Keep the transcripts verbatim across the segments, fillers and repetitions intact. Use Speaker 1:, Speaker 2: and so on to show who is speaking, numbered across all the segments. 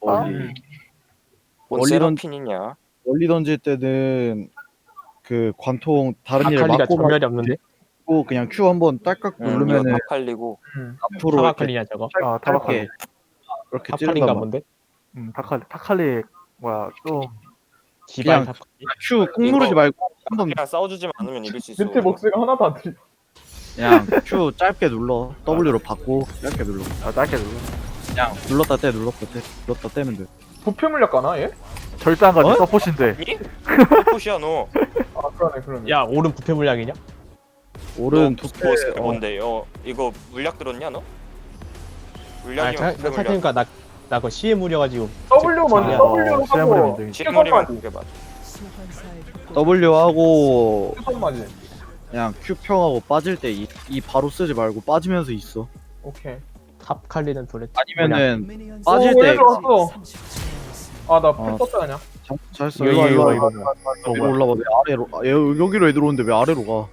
Speaker 1: 멀리.
Speaker 2: 음.
Speaker 3: 뭔
Speaker 1: 멀리 던-
Speaker 3: 세라핀이냐?
Speaker 1: 멀리 던질 때는 그 관통 다른 일을
Speaker 2: 아칼리가
Speaker 1: 막고
Speaker 2: 전멸이 없는데?
Speaker 1: 말고 그냥 Q 한번 딸깍
Speaker 3: 응, 이거
Speaker 1: 누르면은
Speaker 3: 다 팔리고.
Speaker 4: 음.
Speaker 1: 앞으로 이렇게
Speaker 2: 타바칼리냐 저거?
Speaker 4: 아,
Speaker 1: 짧게
Speaker 4: 타바칼리.
Speaker 1: 그렇게
Speaker 2: 타칼린가
Speaker 1: 찌른단 말이야.
Speaker 2: 본데?
Speaker 4: 음, 타칼리. 타칼리 뭐야 좀
Speaker 2: 기발
Speaker 1: 그냥
Speaker 2: 타칼리?
Speaker 1: Q 꾹 누르지
Speaker 3: 이거-
Speaker 1: 말고 한번
Speaker 3: 그냥 싸워주지 않으면 이길 수 있어.
Speaker 5: 밑에 목소리가 하나도 안 들려.
Speaker 1: 그냥 Q 짧게 눌러. W로 받고 짧게 눌러.
Speaker 4: 아, 짧게 눌러.
Speaker 1: 그냥 눌렀다 떼 눌렀다 떼 눌렀다 떼면 돼.
Speaker 5: 부패 물약 가나 얘?
Speaker 4: 절대 안 가지.
Speaker 1: 어?
Speaker 4: 서포신데.
Speaker 3: 이? 포시야 너.
Speaker 5: 아 그러네 그러네.
Speaker 2: 야 오른 부패 물량이냐?
Speaker 1: 오른
Speaker 3: 너
Speaker 1: 두께
Speaker 3: 보스
Speaker 1: 어,
Speaker 3: 뭔데? 어 이거 물약 들었냐 너?
Speaker 2: 아
Speaker 3: 물약이면 부패 물약.
Speaker 2: 생각해보니까 나, 나 그거 씨에 물려가지고
Speaker 5: W 먼저
Speaker 2: 야,
Speaker 5: W로
Speaker 4: 시야물이
Speaker 5: 하고
Speaker 4: 문제지.
Speaker 3: 실물이면 그게 맞아.
Speaker 1: W 하고
Speaker 5: 손맞이.
Speaker 1: 그냥 Q 평하고 빠질 때 이 이 바로 쓰지 말고 빠지면서 있어.
Speaker 5: 오케이.
Speaker 2: 탑칼리는 도레
Speaker 1: 아니면은 빠질
Speaker 5: 오,
Speaker 1: 때
Speaker 5: 얘들 왔어. 아나 풀
Speaker 1: 어.
Speaker 5: 떴다 그냥.
Speaker 1: 잘- 잘했어.
Speaker 2: 이거
Speaker 1: 일로
Speaker 2: 이거
Speaker 1: 와,
Speaker 2: 이거
Speaker 1: 일로
Speaker 2: 이거
Speaker 1: 와.
Speaker 2: 어,
Speaker 1: 위로
Speaker 2: 뭐야.
Speaker 1: 올라봐. 왜 아래로? 아, 얘 여기로 애들 오는데 왜 아래로 가?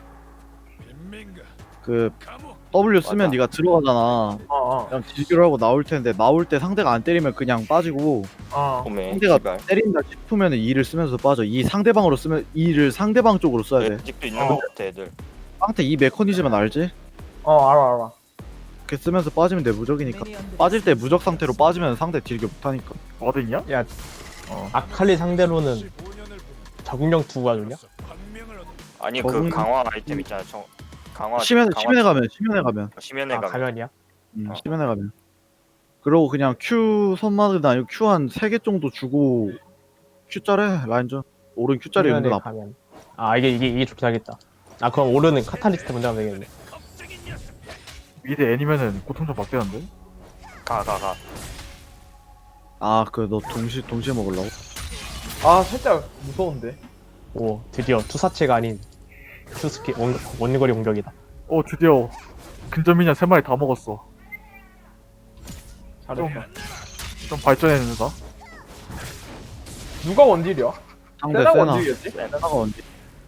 Speaker 1: 그 W 쓰면
Speaker 3: 맞아.
Speaker 1: 네가 들어가잖아.
Speaker 5: 어 어.
Speaker 1: 그냥 딜교를 하고 나올 텐데 나올 때 상대가 안 때리면 그냥 빠지고
Speaker 5: 어.
Speaker 3: 오메.
Speaker 1: 상대가
Speaker 3: 씨발.
Speaker 1: 때린다 싶으면은 E를 쓰면서 빠져. 이 상대방으로 쓰면 E를 상대방 쪽으로 써야 돼.
Speaker 3: 아직도 있는
Speaker 5: 어.
Speaker 3: 것 같아 애들.
Speaker 1: 상태 이 메커니즘은 알지?
Speaker 5: 어 알아 알아.
Speaker 1: 이렇게 쓰면서 빠지면 돼. 무적이니까. 빠질 때 무적 상태로 빠지면 상대 딜교 못하니까.
Speaker 4: 어딨냐?
Speaker 2: 야
Speaker 4: 어.
Speaker 2: 아칼리 상대로는 적응력 두가 좋냐?
Speaker 3: 아니
Speaker 1: 적응-
Speaker 3: 그 강화 아이템 있잖아. 정... 강화.
Speaker 1: 심연에
Speaker 3: 강화-
Speaker 1: 심연에 가면 심연에 가면.
Speaker 3: 심연에
Speaker 2: 아
Speaker 3: 가면.
Speaker 2: 가면이야?
Speaker 1: 음,
Speaker 3: 어.
Speaker 1: 심연에 가면. 그러고 그냥 Q 선마드나 아니고 Q 한 세 개 정도 주고 Q짜래 라인전. 오른 Q짜리
Speaker 2: 가면에
Speaker 1: 은근 아파.
Speaker 2: 가면 아 이게 이게 이게 좋다겠다. 아 그럼 오르는 카탈리스트 먼저 하면 되겠네.
Speaker 4: 미드 애니면은 고통 좀 받겠는데?
Speaker 3: 가 가 가.
Speaker 1: 아, 그 너 동시 동시에 먹으려고?
Speaker 5: 아 살짝 무서운데.
Speaker 2: 오 드디어 투사체가 아닌 투스킬 원, 원거리 공격이다.
Speaker 4: 어, 드디어 근접미녀 세 마리 다 먹었어.
Speaker 5: 잘했다.
Speaker 4: 좀 발전했는다.
Speaker 5: 누가 원딜이야?
Speaker 1: 상대
Speaker 5: 세나
Speaker 1: 세나.
Speaker 5: 원딜이었지?
Speaker 1: 세나가 언제?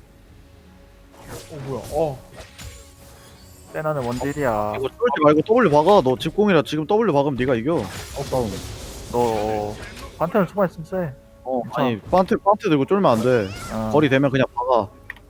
Speaker 5: 어 뭐야? 어.
Speaker 4: 세나는 원딜이야.
Speaker 1: 이거 쫄지 말고 W 박아. 너 집공이라 지금 W 박으면 네가 이겨.
Speaker 5: 어 싸움.
Speaker 4: 너 어, 한테는 초반 있으면 세.
Speaker 1: 어, 아니 판트 판트 들고 쫄면 안 돼.
Speaker 4: 어,
Speaker 1: 거리 되면 그냥 박아.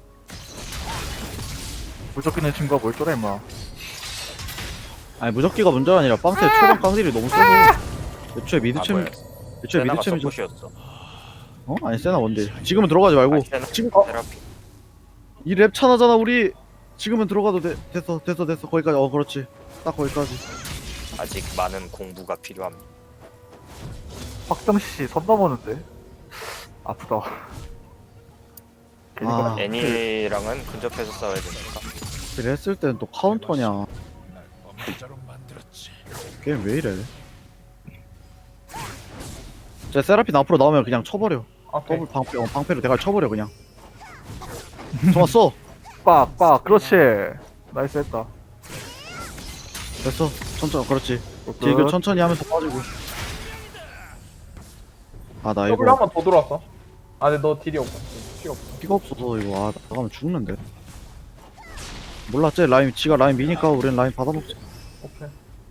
Speaker 4: 무조건 있는 친구가 뭘 쫄아 임마.
Speaker 1: 아니 무적기가 문제가 아니라 빵태 초반 깡딜이 너무 세고. 애초에 미드
Speaker 3: 아,
Speaker 1: 챔,
Speaker 3: 뭐야.
Speaker 1: 애초에
Speaker 3: 세나가
Speaker 1: 미드 챔이죠.
Speaker 3: 서폿이었어.
Speaker 1: 어? 아니 세나 원딜. 지금은 들어가지 말고.
Speaker 3: 아니, 세나
Speaker 1: 지금
Speaker 3: 세라핀.
Speaker 1: 이 랩 차나잖아 우리. 지금은 들어가도 돼. 됐어 됐어 됐어 거기까지. 어 그렇지. 딱 거기까지.
Speaker 3: 아직 많은 공부가 필요합니다.
Speaker 4: 박정씨 선 넘었는데. 아프다. 괜히
Speaker 1: 아.
Speaker 4: 그래.
Speaker 3: 애니랑은 근접해서 싸워야 되니까.
Speaker 1: 그래 했을 때는 또 카운터냐. 게임 왜 이래? 제 세라핀 앞으로 나오면 그냥 쳐버려.
Speaker 5: 오케이.
Speaker 1: 더블 방패, 어, 방패로 대갈 쳐버려 그냥. 좋았어.
Speaker 4: 빡, 빡. 그렇지. 나이스 했다.
Speaker 1: 됐어. 천천히. 그렇지.
Speaker 4: 굿.
Speaker 1: 딜교 천천히 하면서 빠지고. 아 나
Speaker 5: W
Speaker 1: 이거
Speaker 5: 한번 더 들어왔어. 아 근데 너 딜이 없어. 피가 없어.
Speaker 1: 피가 없어서 이거 아 나가면 죽는데. 몰라 쟤 라인 지가 라인 미니까 우린 라인 받아먹자.
Speaker 5: 오케이.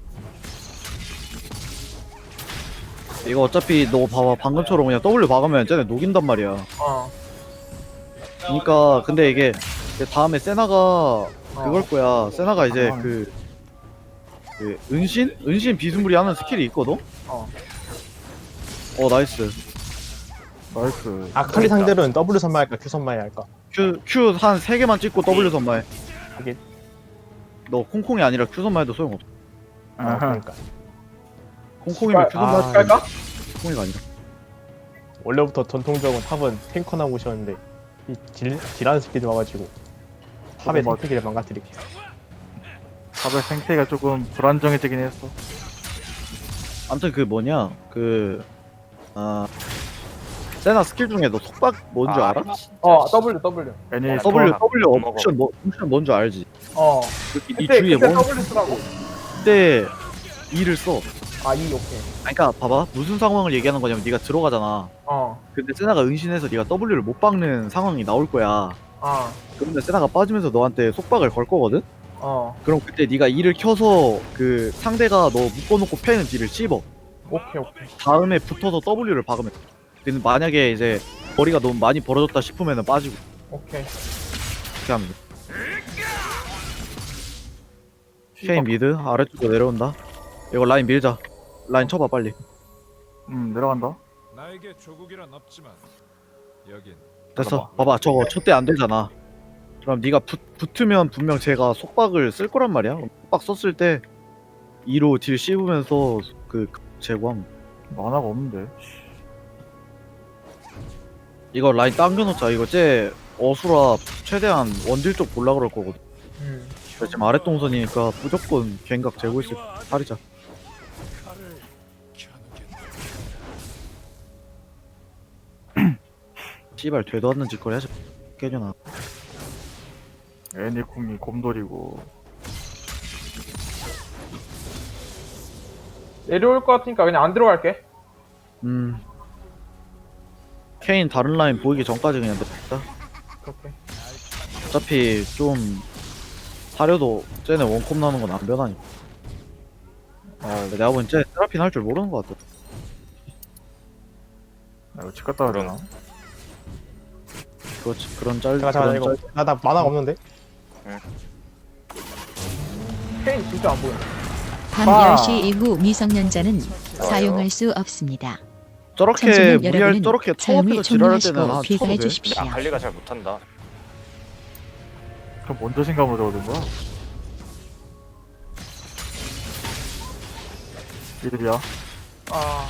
Speaker 1: 이거 어차피 너 봐봐 방금처럼 그냥 W 박으면 쟤네 녹인단 말이야.
Speaker 5: 어.
Speaker 1: 그니까 근데 이게 이제 다음에 세나가
Speaker 5: 어.
Speaker 1: 그걸 거야. 세나가 이제
Speaker 4: 아.
Speaker 1: 그, 그 은신? 은신 비스무리 하는 스킬이 있거든?
Speaker 5: 어.
Speaker 1: 어 나이스.
Speaker 4: 나이스.
Speaker 2: 아칼리 상대로는 W 선마할까 Q 선마해야 할까?
Speaker 1: Q Q 한 세 개만 찍고 W 선마해.
Speaker 2: 하긴.
Speaker 1: 너 콩콩이 아니라 Q 선마해도 소용없어.
Speaker 2: 아
Speaker 4: 아하.
Speaker 2: 그러니까
Speaker 1: 콩콩이면 Q
Speaker 2: 아,
Speaker 1: 선마
Speaker 5: 갈까?
Speaker 1: 콩콩이가 아니라.
Speaker 2: 원래부터 전통적으로 탑은 탱커나 모셨는데 이 딜, 딜하는 새끼들 와가지고 탑의
Speaker 4: 어, 맞-
Speaker 2: 생태계를 망가뜨리고
Speaker 4: 탑의 생태가 조금 불안정해지긴 했어.
Speaker 1: 아무튼 그 뭐냐 그 아. 세나 스킬 중에 너 속박 뭔 줄
Speaker 3: 아,
Speaker 1: 알아?
Speaker 3: 진짜
Speaker 5: 어
Speaker 3: 씨.
Speaker 5: W W.
Speaker 4: 애니
Speaker 3: 어,
Speaker 1: W
Speaker 3: 스톤
Speaker 1: W
Speaker 3: 못 먹어.
Speaker 1: 옵션 뭐 옵션 뭔 줄 알지?
Speaker 5: 어.
Speaker 1: 이
Speaker 5: 그때
Speaker 1: 주위에
Speaker 5: 그때
Speaker 1: 뭔
Speaker 5: W 쓰라고.
Speaker 1: 그때 E를 써.
Speaker 5: 아 E 오케이.
Speaker 1: 아니, 그러니까 봐봐 무슨 상황을 얘기하는 거냐면 네가 들어가잖아.
Speaker 5: 어.
Speaker 1: 근데 세나가 은신해서 네가 W를 못 박는 상황이 나올 거야.
Speaker 5: 어.
Speaker 1: 그런데 세나가 빠지면서 너한테 속박을 걸 거거든?
Speaker 5: 어.
Speaker 1: 그럼 그때 네가 E를 켜서 그 상대가 너 묶어놓고 패는 딜을 씹어.
Speaker 5: 오케이 오케이.
Speaker 1: 다음에 붙어서 W를 박으면 돼. 근데 만약에 이제 거리가 너무 많이 벌어졌다 싶으면 빠지고
Speaker 5: 오케이.
Speaker 1: 이렇게 하면 돼. 케인 미드 아래쪽으로 내려온다. 이거 라인 밀자. 라인 쳐봐 빨리.
Speaker 4: 음 내려간다.
Speaker 6: 나에게 조국이란 없지만 여긴
Speaker 1: 됐어. 봐봐 저거 첫 대 안 되잖아. 그럼 네가 붙, 붙으면 분명 제가 속박을 쓸 거란 말이야. 속박 썼을 때 이로 딜 씹으면서 그 제거함.
Speaker 4: 만화가 없는데.
Speaker 1: 이거 라인 당겨놓자. 이거 쟤 어수라 최대한 원딜 쪽 볼라 그럴 거거든.
Speaker 5: 음.
Speaker 1: 그래서 지금 아래 동선이니까 무조건 갱각 재고 있을 팔이자.
Speaker 6: 칼을 겨누겠다.
Speaker 1: 씨발 되도 않는 짓거리 하지. 깨져나.
Speaker 4: 애니콩이 곰돌이고.
Speaker 5: 내려올 것 같으니까 그냥 안 들어갈게.
Speaker 1: 음. 케인 다른 라인 보이기 전까지 그냥 냅다.
Speaker 5: 오케이.
Speaker 1: 어차피 좀 사려도 쟤네 원콤 나는 건 안 변하니까. 아, 내가 보기엔 쟤 세라핀 할 줄 모르는 것 같아.
Speaker 4: 나 이거 집 갔다 와야 되나?
Speaker 1: 그렇지. 그런 짤,
Speaker 2: 잠깐 잠깐
Speaker 1: 그런
Speaker 2: 이거 나 나 만화가 없는데.
Speaker 5: 케인 진짜 안 보여.
Speaker 7: 밤
Speaker 4: 아.
Speaker 7: 열 시 이후 미성년자는 사용할 수 없습니다.
Speaker 1: 저렇게
Speaker 7: 청소년
Speaker 1: 무리할
Speaker 7: 여러분은
Speaker 1: 저렇게
Speaker 7: 사용을
Speaker 1: 처음부터 지랄할 때는
Speaker 7: 종료하시고
Speaker 1: 한
Speaker 7: 귀가해
Speaker 1: 쳐도 돼.
Speaker 7: 주십시오.
Speaker 3: 근데 아칼리가 잘 못한다.
Speaker 4: 그럼 먼저 신감으로 적어둔 거야? 이들이야.
Speaker 5: 아.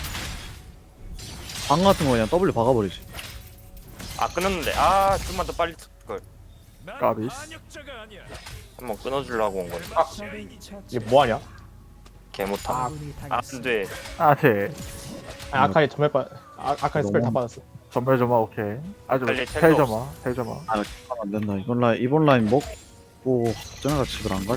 Speaker 1: 방 같은 거 그냥 W 박아버리지.
Speaker 3: 아 끊었는데 아 좀만 더 빨리 걸.
Speaker 6: 난
Speaker 4: 까비스.
Speaker 6: 반역자가 아니야.
Speaker 3: 한번 끊어주려고 온 건데
Speaker 5: 아.
Speaker 2: 이게 뭐 하냐?
Speaker 3: 개 못함. 아 안돼.
Speaker 4: 아 돼.
Speaker 2: 아, 아칼리 전멸 빠 아, 아칼리 스펠 다
Speaker 1: 너무-
Speaker 2: 받았어.
Speaker 4: 전멸 점화 오케이. 아주
Speaker 3: 빨리
Speaker 4: 텔
Speaker 3: 텔도
Speaker 4: 점화. 텔 점화.
Speaker 1: 아, 하면 안 된다. 이번 라인, 이번 라인 먹고 쟤네가 집을 안 갈.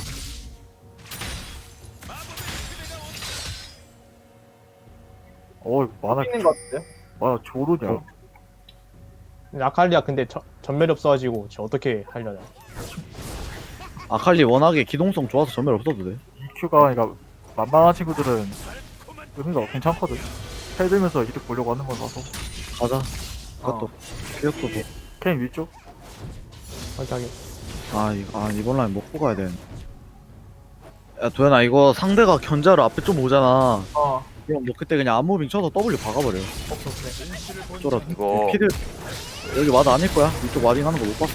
Speaker 4: 어 만화
Speaker 5: 있는 것 같은데.
Speaker 4: 만화 조르냐?
Speaker 2: 어. 근데 아칼리가 근데 저, 전멸이 없어가지고 저 어떻게 하려냐?
Speaker 1: 아칼리 워낙에 기동성 좋아서 전멸 없어도 돼.
Speaker 4: 이큐가 그러니까 만만한 친구들은 의미가 괜찮거든. 텔 들면서 이득 보려고 하는 거라서.
Speaker 1: 가자.
Speaker 4: 어.
Speaker 1: 그것도 피었어도.
Speaker 4: 케인 위쪽.
Speaker 2: 확실하게.
Speaker 1: 아, 이거, 아, 이번 라인 먹고 가야 되는데. 야, 도현아, 이거 상대가 견자로 앞에 좀 오잖아.
Speaker 5: 어.
Speaker 1: 그럼 너 그때 그냥 암무빙 쳐서 W 박아버려.
Speaker 5: 오케이 오케이.
Speaker 1: 쫄아.
Speaker 3: 이거
Speaker 1: 피들 여기 와드 아닐 거야. 이쪽 와딩 하는 거 못 봤어.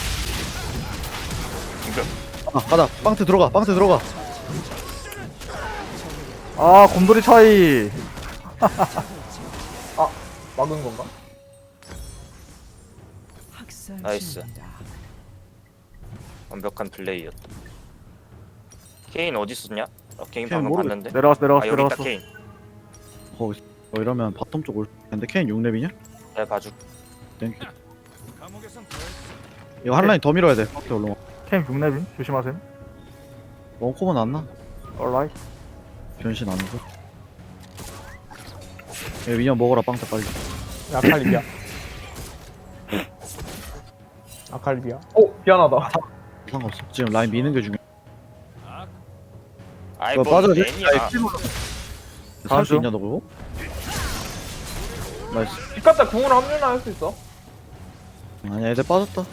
Speaker 3: 이거
Speaker 1: 아, 가자. 빵트 들어가. 빵트 들어가.
Speaker 4: 아 곰돌이 차이.
Speaker 5: 막은 건가?
Speaker 3: 나이스. 완벽한 플레이였다. 케인 어디 있었냐? 어, 케인
Speaker 1: 케인
Speaker 3: 방금
Speaker 1: 모르겠-
Speaker 3: 봤는데.
Speaker 4: 내려왔어
Speaker 3: 아
Speaker 4: 내려왔어
Speaker 3: 여기 있다
Speaker 4: 내려왔어.
Speaker 3: 케인.
Speaker 1: 거기 어, 이러면 바텀 쪽 올 텐데 케인 육 렙이냐?
Speaker 3: 내 봐줄.
Speaker 1: 땡큐.
Speaker 6: 감옥에선 더 있어.
Speaker 1: 이거 한 라인 더 밀어야 돼. 오케이, 얼른 와.
Speaker 4: 케인 육렙임 조심하셈.
Speaker 1: 원콤은 안 나?
Speaker 4: 얼라이.
Speaker 1: 변신 안 해서. 얘 미녀 먹어라 빵트 빨리.
Speaker 2: 아칼리비야. 아칼리비야.
Speaker 5: 오 미안하다.
Speaker 1: 상관없어. 지금 라인 미는 게 중요해.
Speaker 6: 아,
Speaker 3: 아이
Speaker 1: 너
Speaker 3: 뭐
Speaker 1: 빠져야 돼?
Speaker 3: 애니야.
Speaker 1: 살 수
Speaker 4: 가죠.
Speaker 1: 있냐 너 그거? 나이스.
Speaker 5: 뒷갔다 궁으로 합류나 할 수 있어.
Speaker 1: 아니야 애들 빠졌다.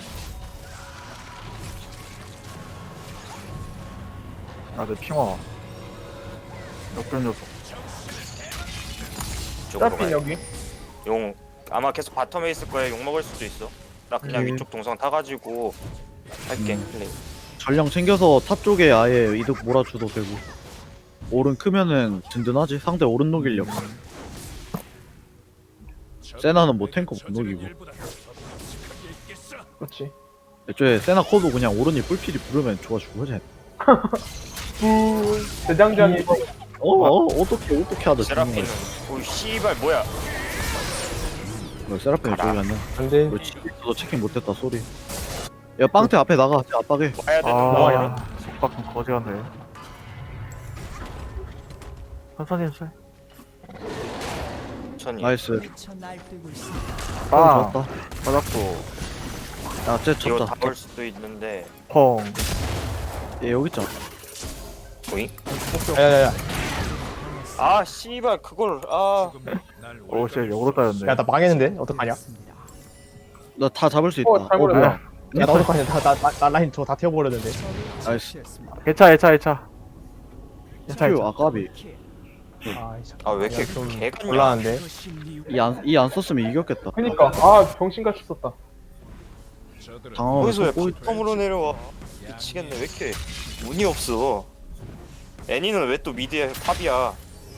Speaker 4: 아내 핑화. 역변 녀석.
Speaker 3: 이쪽으로
Speaker 5: 트라핀
Speaker 3: 가야
Speaker 5: 여기.
Speaker 3: 용 아마 계속 바텀에 있을 거야. 용 먹을 수도 있어. 나 그냥
Speaker 1: 네.
Speaker 3: 위쪽 동선 타가지고 할게.
Speaker 1: 음.
Speaker 3: 플레이.
Speaker 1: 전령 챙겨서 탑 쪽에 아예 이득 몰아줘도 되고. 오른 크면은 든든하지. 상대 오른 녹일력. 세나는 뭐 탱커 못 녹이고.
Speaker 6: 일보다 더 끔찍한 게 있겠어.
Speaker 5: 그렇지.
Speaker 1: 애초에 세나 커도 그냥 오른이 뿔필이 부르면 좋아 죽어져.
Speaker 5: 부 대장장이.
Speaker 1: 어, 어 어떻게 어떻게 하다
Speaker 3: 세라핀은 오이 씨발 뭐야?
Speaker 1: 어, 세라핀
Speaker 3: 가라.
Speaker 1: 저기 갔네.
Speaker 2: 안돼.
Speaker 1: 그렇지. 너 체킹 못했다 소리. 야 빵태 앞에 나가. 쟤 압박해.
Speaker 3: 와야 되는
Speaker 4: 아
Speaker 3: 거야.
Speaker 4: 속박은 거지 같네. 천천히 해주세요.
Speaker 3: 천이.
Speaker 1: 나이스.
Speaker 4: 아
Speaker 1: 아, 좋았다.
Speaker 4: 맞았고.
Speaker 1: 야쟤
Speaker 3: 이거
Speaker 1: 쳤다.
Speaker 3: 다올 수도 있는데.
Speaker 4: 펑.
Speaker 1: 얘 여기 있잖아.
Speaker 3: 보잉?
Speaker 2: 야야야.
Speaker 3: 아 씨발 그걸 아
Speaker 6: 날
Speaker 4: 오, 씨, 역으로 따였네.
Speaker 2: 야 나 망했는데 어떡하냐?
Speaker 1: 나 다 잡을 수 있다.
Speaker 5: 어, 잘못했다.
Speaker 1: 뭐야?
Speaker 2: 야 나 어떡하냐? 나나 나, 나 라인 저거 다 태워버렸는데.
Speaker 1: 나이스.
Speaker 4: 개차, 개차, 개차. 개차,
Speaker 1: 큐
Speaker 4: 개차.
Speaker 1: 아까비.
Speaker 2: 아이씨.
Speaker 3: 아, 왜 이렇게
Speaker 2: 좀
Speaker 3: 개같냐?
Speaker 2: 곤란한데.
Speaker 1: 이안이 안 썼으면 이겼겠다.
Speaker 5: 그니까 아 병신같이 썼다.
Speaker 6: 저들은
Speaker 1: 당황하면
Speaker 3: 거기서 왜
Speaker 1: 꼬이.
Speaker 3: 바텀으로 내려와? 미치겠네. 왜 이렇게 운이 없어? 애니는 왜 또 미드에 탑이야?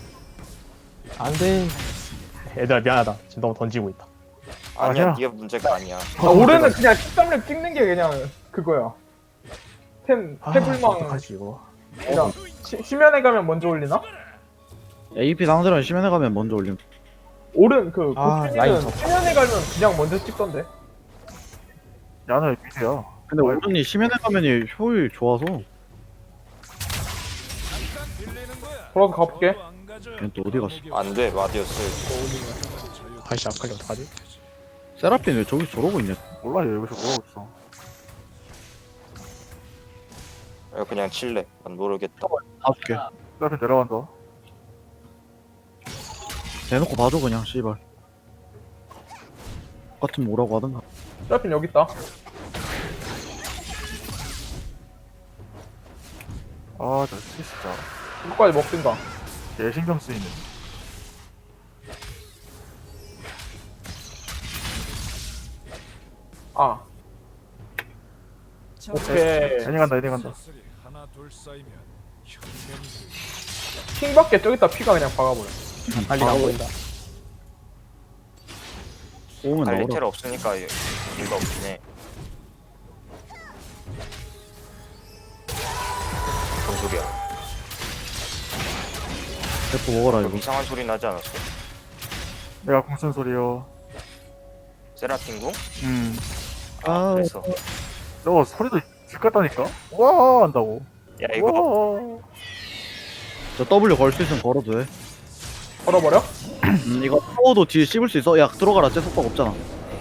Speaker 2: 안돼. 얘들아 미안하다. 지금 너무 던지고 있다.
Speaker 3: 아니야,
Speaker 4: 아니야.
Speaker 3: 네가 문제가 아니야.
Speaker 5: 아, 올해는 그냥 십삼 렙 찍는 게 그냥 그거야. 템
Speaker 2: 아,
Speaker 5: 태블망
Speaker 2: 어떡하지 이거.
Speaker 5: 그냥 시, 심연에 가면 먼저 올리나?
Speaker 1: 에이피 상대랑 심연에 가면 먼저 올림.
Speaker 5: 오른 그
Speaker 2: 아, 라인
Speaker 5: 고민은
Speaker 2: 접-
Speaker 5: 심연에 가면 그냥 먼저 찍던데.
Speaker 4: 야는 미세야.
Speaker 1: 근데 오른이 심연에 가면이 효율 좋아서
Speaker 6: 잠깐 빌리는 거야.
Speaker 5: 돌아서 가볼게.
Speaker 6: 너도 안 가져.
Speaker 1: 얘는 또 어디 갔어?
Speaker 3: 안 돼, 마디였어.
Speaker 2: 아이씨 아칼리 어떡하지?
Speaker 1: 세라핀 왜 저기 저러고 있냐?
Speaker 4: 몰라, 얘 여기서 뭐하고 있어.
Speaker 3: 야, 그냥 칠래. 난 모르겠다.
Speaker 1: 봐줄게.
Speaker 4: 앞에 내려간다.
Speaker 1: 대놓고 봐줘 그냥 씨발. 같은 뭐라고 하든가.
Speaker 5: 트래핀 여기 있다.
Speaker 4: 아, 저 진짜.
Speaker 5: 이거까지 먹든가.
Speaker 4: 얘 신경 쓰이네.
Speaker 5: 아. 오케이.
Speaker 4: 애니 간다, 애니 간다.
Speaker 6: 사슬이 하나 둘 쌓이면 혁명이
Speaker 5: 킹밖에 저기다 피가 그냥 박아버려.
Speaker 2: 아칼리 안 보인다.
Speaker 1: 오면 나오라.
Speaker 3: 갈리테라 없으니까 의미가 없긴 해. 뭔 소리야?
Speaker 1: 대포 먹어라
Speaker 3: 좀
Speaker 1: 이거.
Speaker 3: 이상한 소리 나지 않았어?
Speaker 4: 내가 공쓴 소리요.
Speaker 3: 세라핀 궁?
Speaker 4: 음.
Speaker 1: 아,
Speaker 3: 그래서
Speaker 4: 너 소리도 질 같다니까? 와, 한다고.
Speaker 3: 야 이거
Speaker 4: 와.
Speaker 1: 저 W 걸 수 있으면 걸어도 돼.
Speaker 5: 걸어버려?
Speaker 1: 음, 이거 타워도 뒤에 씹을 수 있어. 야 들어가라. 쟤 속박 없잖아.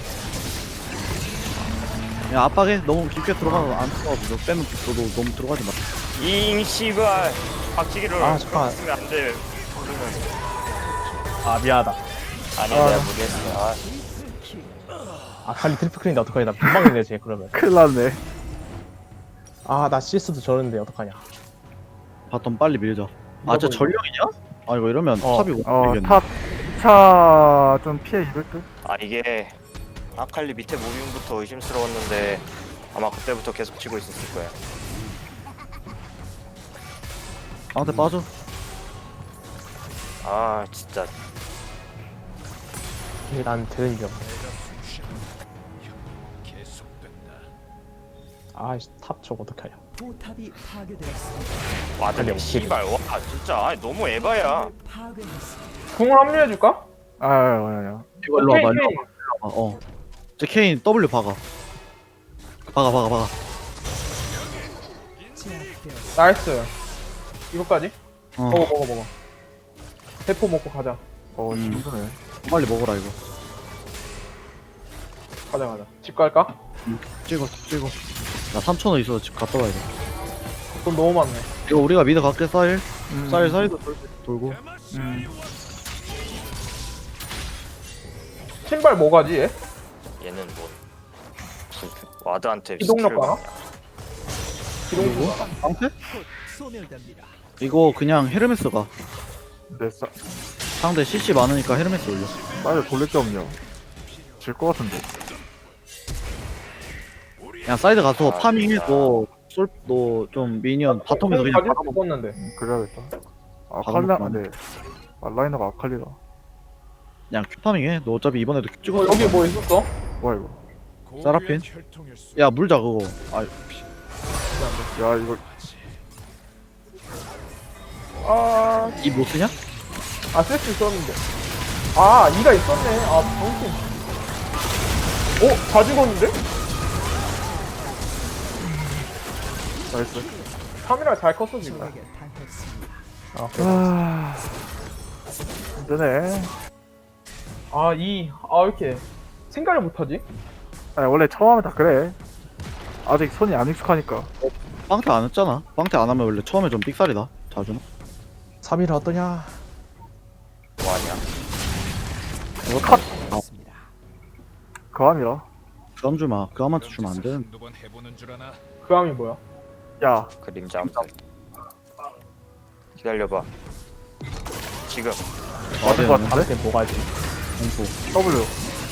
Speaker 1: 야 압박해. 너무 깊게 들어가서 안 들어가도 너 빼면 너도 너무 들어가지 마.
Speaker 3: 잉 씨발 박치기를
Speaker 2: 아, 잠깐만.
Speaker 3: 쓰면 안 돼.
Speaker 2: 아 미안하다.
Speaker 3: 아니야
Speaker 2: 아.
Speaker 3: 내가 모르겠어. 아,
Speaker 2: 아칼리 트리플 클린데 어떡하냐? 나 금방이네 쟤 그러면.
Speaker 4: 큰일 났네.
Speaker 2: 아 나 씨에스도 저러는데 어떡하냐?
Speaker 1: 바텀 빨리 밀자. 아, 저 전령이냐? 아 이거 이러면
Speaker 2: 어,
Speaker 1: 탑이 못
Speaker 4: 어,
Speaker 1: 밀겠네.
Speaker 4: 탑, 차, 좀 피해 입을 듯?
Speaker 3: 아 이게 아칼리 밑에 무빙부터 의심스러웠는데 아마 그때부터 계속 치고 있었을 거야.
Speaker 1: 나한테 빠져.
Speaker 3: 아 진짜
Speaker 2: 이게 난 되는 게 없네.
Speaker 6: 계속된다.
Speaker 2: 아이씨 탑 저거 어떡하냐?
Speaker 8: 포탑이 파괴되었습니다.
Speaker 3: 와드
Speaker 2: 아칼리
Speaker 3: 씨발 와 진짜 아니, 너무 에바야.
Speaker 8: 파괴했습니다.
Speaker 5: 궁을 합류해줄까?
Speaker 4: 아, 아니, 아니야.
Speaker 1: 이거 일로 와봐.
Speaker 5: 오케이,
Speaker 1: 일로
Speaker 5: 오케이.
Speaker 1: 와봐. 어. 저 케인 W 박아. 박아 박아 박아.
Speaker 8: 제압되었습니다.
Speaker 5: 나이스. 이거까지?
Speaker 1: 어.
Speaker 5: 먹어 먹어 먹어. 대포 먹고 가자.
Speaker 4: 어,
Speaker 1: 음.
Speaker 4: 힘드네.
Speaker 1: 빨리 먹어라 이거.
Speaker 5: 가자 가자. 집 갈까?
Speaker 1: 찍어 찍어. 나 삼천 원 있어서 집 갔다 와야 돼.
Speaker 5: 돈 너무 많네.
Speaker 1: 이거 우리가 미드 갈게 쌀.
Speaker 4: 음.
Speaker 1: 쌀 쌀도 돌, 돌고.
Speaker 4: 음.
Speaker 5: 신발 뭐 가지 얘?
Speaker 3: 얘는 뭐 부- 와드한테
Speaker 5: 기동력
Speaker 3: 스킬을
Speaker 5: 봐라.
Speaker 3: 받냐.
Speaker 5: 기동
Speaker 1: 방패?
Speaker 8: 소멸됩니다.
Speaker 1: 이거 그냥 헤르메스 가.
Speaker 4: 근데 싸,
Speaker 1: 상대 씨씨 많으니까 헤르메스 올려.
Speaker 4: 빨리 돌릴 게 없냐. 질 것 같은데.
Speaker 1: 그냥 사이드 가서
Speaker 3: 아,
Speaker 1: 파밍해서 솔너좀 미니언 바텀에서 그냥
Speaker 5: 가질
Speaker 1: 박아
Speaker 5: 수
Speaker 1: 먹어.
Speaker 5: 있었는데.
Speaker 4: 음, 그래야겠다.
Speaker 1: 박아
Speaker 4: 아칼리나,
Speaker 1: 먹고
Speaker 4: 네. 말라이너가 아칼리다.
Speaker 1: 그냥 큐 파밍해. 너 어차피 이번에도 큐 찍어.
Speaker 5: 어, 여기 뭐 있었어?
Speaker 4: 뭐야, 이거.
Speaker 1: 세라핀?
Speaker 6: 고귀한 혈통일 수
Speaker 1: 야 물자 그거. 아
Speaker 4: 야, 이거.
Speaker 5: 아,
Speaker 1: 이 못 쓰냐?
Speaker 5: 아, 쓸 수 있었는데. 아, 이가 있었네. 아, 정신. 어? 다 죽었는데?
Speaker 4: 나이스.
Speaker 5: 카메라 잘 컸어, 지금.
Speaker 8: 적에게 당했습니다.
Speaker 4: 아, 힘드네.
Speaker 5: 아, 이, 아, 왜 이렇게 생각을 못하지?
Speaker 4: 아니, 원래 처음 하면 다 그래. 아직 손이 안 익숙하니까.
Speaker 1: 빵태 안 했잖아. 빵태 안 하면 원래 처음에 좀 삑살이다. 자주.
Speaker 2: 삼 일은 어떠냐?
Speaker 1: 컷.
Speaker 8: 있습니다.
Speaker 4: 그 함이라.
Speaker 1: 그함 주마. 그함한테 주면 안 돼.
Speaker 6: 한두 번 해보는 줄 아나?
Speaker 5: 그 함이 뭐야?
Speaker 4: 야,
Speaker 3: 그림자 암살. 기다려봐. 지금
Speaker 4: 맞은 거 같은데?
Speaker 2: 다음에 뭐가지?
Speaker 1: 공포.
Speaker 4: W.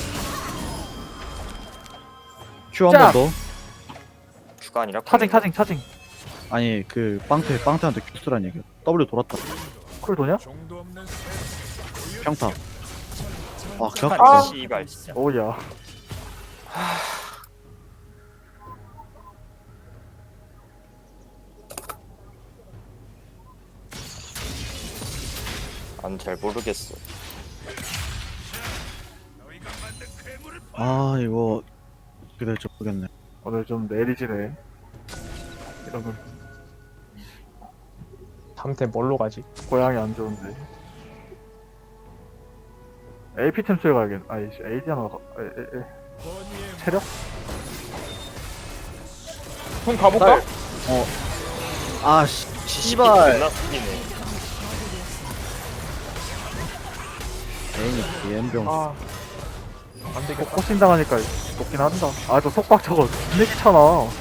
Speaker 1: Q 한
Speaker 4: 짜!
Speaker 1: 번 더.
Speaker 3: Q가 아니라
Speaker 4: 차징, 차징, 차징.
Speaker 1: 아니 그 빵태 빵태한테 Q 쓰란 얘기야. W 돌았다.
Speaker 4: 쿨 도냐?
Speaker 6: 정도 없는 새
Speaker 1: 평타. 아 그냥
Speaker 3: 아, 씨발.
Speaker 4: 오야.
Speaker 3: 난 잘 모르겠어.
Speaker 1: 아 이거 어떻게 될지 모르겠네.
Speaker 4: 오늘 좀 내리지네. 이러면
Speaker 2: 다음 템 뭘로 가지?
Speaker 4: 고양이 안 좋은데. 에이피 템스에 가야겠. 아이씨, 에이디 하나 가. 에, 에, 에. 체력?
Speaker 5: 형 가볼까?
Speaker 1: 아 씨.
Speaker 3: 씨발.
Speaker 1: 씨발.
Speaker 3: 존나 쓰기네.
Speaker 1: 에이 비엠병.
Speaker 5: 아, 안 되겠다.
Speaker 4: 코싱 당하니까 높긴 한다. 아, 저 속박 저거 존나 귀찮아.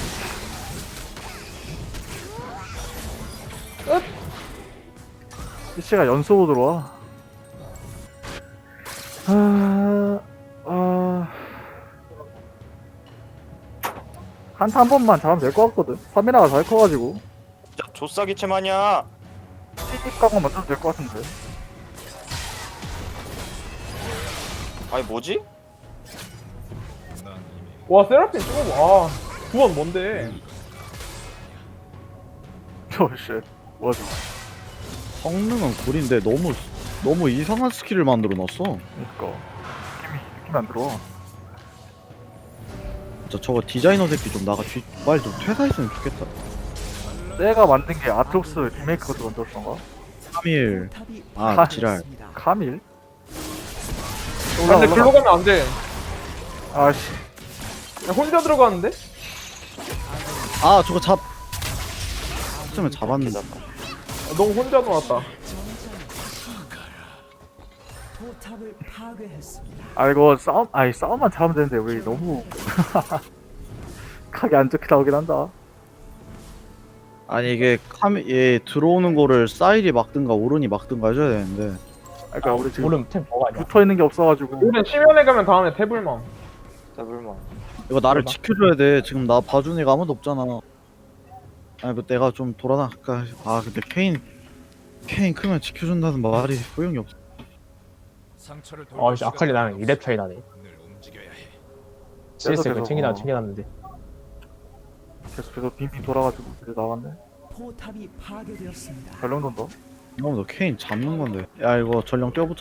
Speaker 4: 씨가 연속으로 들어와. 아, 아. 한타 한 번만 잘하면 될 것 같거든. 삼이나가 잘 커가지고.
Speaker 3: 진짜 조싸기체 마냐.
Speaker 4: 시집 각만 맞춰도 될 것 같은데.
Speaker 3: 아니 뭐지?
Speaker 6: 난 이미
Speaker 5: 와, 세라핀 찍어봐. 아, 구원 뭔데?
Speaker 4: 저, 씨. 뭐지?
Speaker 1: 성능은 굴인데 너무 너무 이상한 스킬을 만들어 놨어.
Speaker 4: 그니까. 느낌이, 느낌이 안 들어와.
Speaker 1: 진짜 저거 디자이너 새끼 좀 나가 뒤 빨리 좀 퇴사했으면 좋겠다.
Speaker 4: 내가 만든 게 아트록스 리메이크 것도 만들었던가?
Speaker 1: 삼 일.
Speaker 8: 포탑이
Speaker 1: 아 지랄.
Speaker 8: 파괴되었습니다.
Speaker 4: 카밀?
Speaker 5: 아, 근데 글로 가면 안 돼.
Speaker 4: 아씨.
Speaker 5: 야, 혼자 들어가는데?
Speaker 1: 아 저거 잡. 했으면 잡았는데.
Speaker 5: 아, 너무 혼자 놀았다.
Speaker 8: 포탑을 파괴했습니다.
Speaker 4: 아 이거 싸움 아니 싸움만 잘하면 되는데 우리 너무 각이 안 좋게 나오긴 한다.
Speaker 1: 아니 이게 카메 얘 들어오는 거를 사일이 막든가 오른이 막든가 해줘야 되는데.
Speaker 4: 아, 그러니까 우리 지금
Speaker 2: 오름 템 뭐가 아니야?
Speaker 4: 붙어 있는 게 없어가지고.
Speaker 5: 우린 심연에 가면 다음에 태블망.
Speaker 3: 더블만.
Speaker 1: 이거 나를
Speaker 2: 설마?
Speaker 1: 지켜줘야 돼. 지금 나 봐주는 애가 아무도 없잖아. 아니 뭐 내가 좀 돌아나갈까. 아 근데 케인 케인 크면 지켜준다는 말이 소용이 없어.
Speaker 6: 상처를
Speaker 2: 어, 씨, 아칼리 나는 이 렙 차이 나네.
Speaker 6: 늘 움직여야 해.
Speaker 2: 씨에스 그
Speaker 4: 계속,
Speaker 2: 챙기다
Speaker 4: 어.
Speaker 2: 챙겨놨는데.
Speaker 4: 계속 계속 빙빙 돌아가지고 이제 나왔네.
Speaker 8: 포탑이 파괴되었습니다.
Speaker 4: 전령 돈다.
Speaker 1: 어, 너 케인 잡는 건데. 야 이거 전령 뛰어붙여.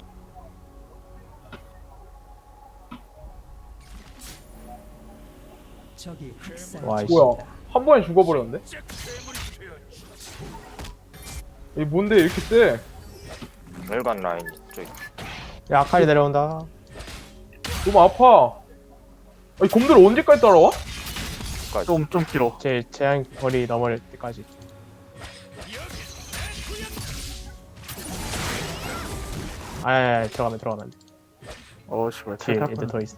Speaker 8: 적이 학살.
Speaker 2: 와, 이씨.
Speaker 5: 뭐야? 한 번에 죽어버렸는데? 이 뭔데 이렇게 세?
Speaker 3: 멸관 라인 쪽.
Speaker 2: 야, 아칼리 내려온다.
Speaker 5: 너무 아파. 아니, 곰들 언제까지 따라와?
Speaker 4: 좀 좀 길어.
Speaker 2: 제 제한 거리 넘을 때까지. 아, 아, 아, 들어가면 들어가면.
Speaker 4: 어 씨발
Speaker 2: 뒤에
Speaker 4: 탈탈
Speaker 2: 애들 더 있어.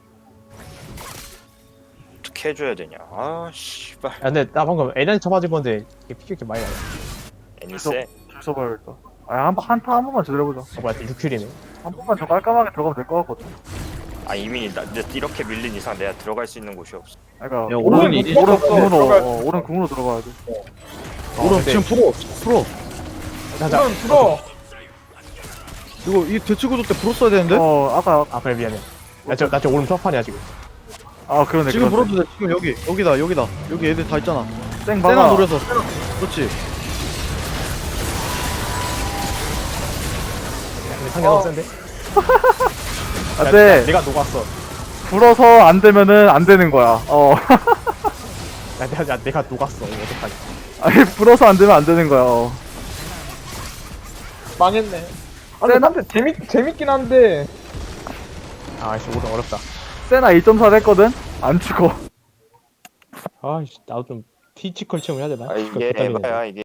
Speaker 3: 어떻게 해줘야 되냐. 아 씨발.
Speaker 2: 야, 근데 나 방금 에렌 쳐맞은 건데 이게 피가 이렇게 많이 나네.
Speaker 3: 애니세.
Speaker 4: 줄 서봐야겠다. 아한 한타 한 번만 제대로 해보자.
Speaker 2: 어, 뭐야, 육 킬이네.
Speaker 4: 한 번만 저 깔끔하게 들어가면 될 것 같거든.
Speaker 3: 아 이미 나, 나 이렇게 밀린 이상 내가 들어갈 수 있는 곳이 없어.
Speaker 4: 그러니까
Speaker 1: 야,
Speaker 4: 오른
Speaker 1: 오른이
Speaker 5: 이제
Speaker 4: 오른
Speaker 5: 들어갔어.
Speaker 4: 궁으로
Speaker 5: 들어가야
Speaker 4: 어, 오른 궁으로 들어가야 돼.
Speaker 1: 오른
Speaker 2: 근데-
Speaker 1: 지금 풀어 풀어.
Speaker 2: 자, 자.
Speaker 5: 그럼 들어.
Speaker 1: 이거 이 대치 구조 때 풀어 써야 되는데.
Speaker 4: 어 아까
Speaker 2: 아, 그래, 미안해. 나 저, 나 저 오름 첫판이야, 지금.
Speaker 4: 아 그러네.
Speaker 1: 지금
Speaker 4: 그러네.
Speaker 1: 풀어도 돼. 지금 여기 여기다 여기다 여기 애들 다 있잖아.
Speaker 4: 쌩
Speaker 1: 세나
Speaker 4: 박아.
Speaker 1: 노려서. 세나. 그렇지.
Speaker 2: 근데 상대 너무 센데? 야,
Speaker 4: 안돼.
Speaker 2: 내가 녹았어.
Speaker 4: 불어서 안 되면은 안 되는 거야. 어.
Speaker 2: 야, 내가, 야, 내가 녹았어. 이거 어떡하지?
Speaker 4: 아니 불어서 안 되면 안 되는 거야. 어.
Speaker 5: 망했네. 아, 근데 한테 재밌, 재밌긴 한데.
Speaker 2: 아, 씨, 오름 어렵다.
Speaker 4: 세나 이 점 사 했거든. 안 죽어.
Speaker 2: 아, 씨, 나도 좀 피지컬 체험 해야 되나?
Speaker 3: 아 이게 에바야 이게.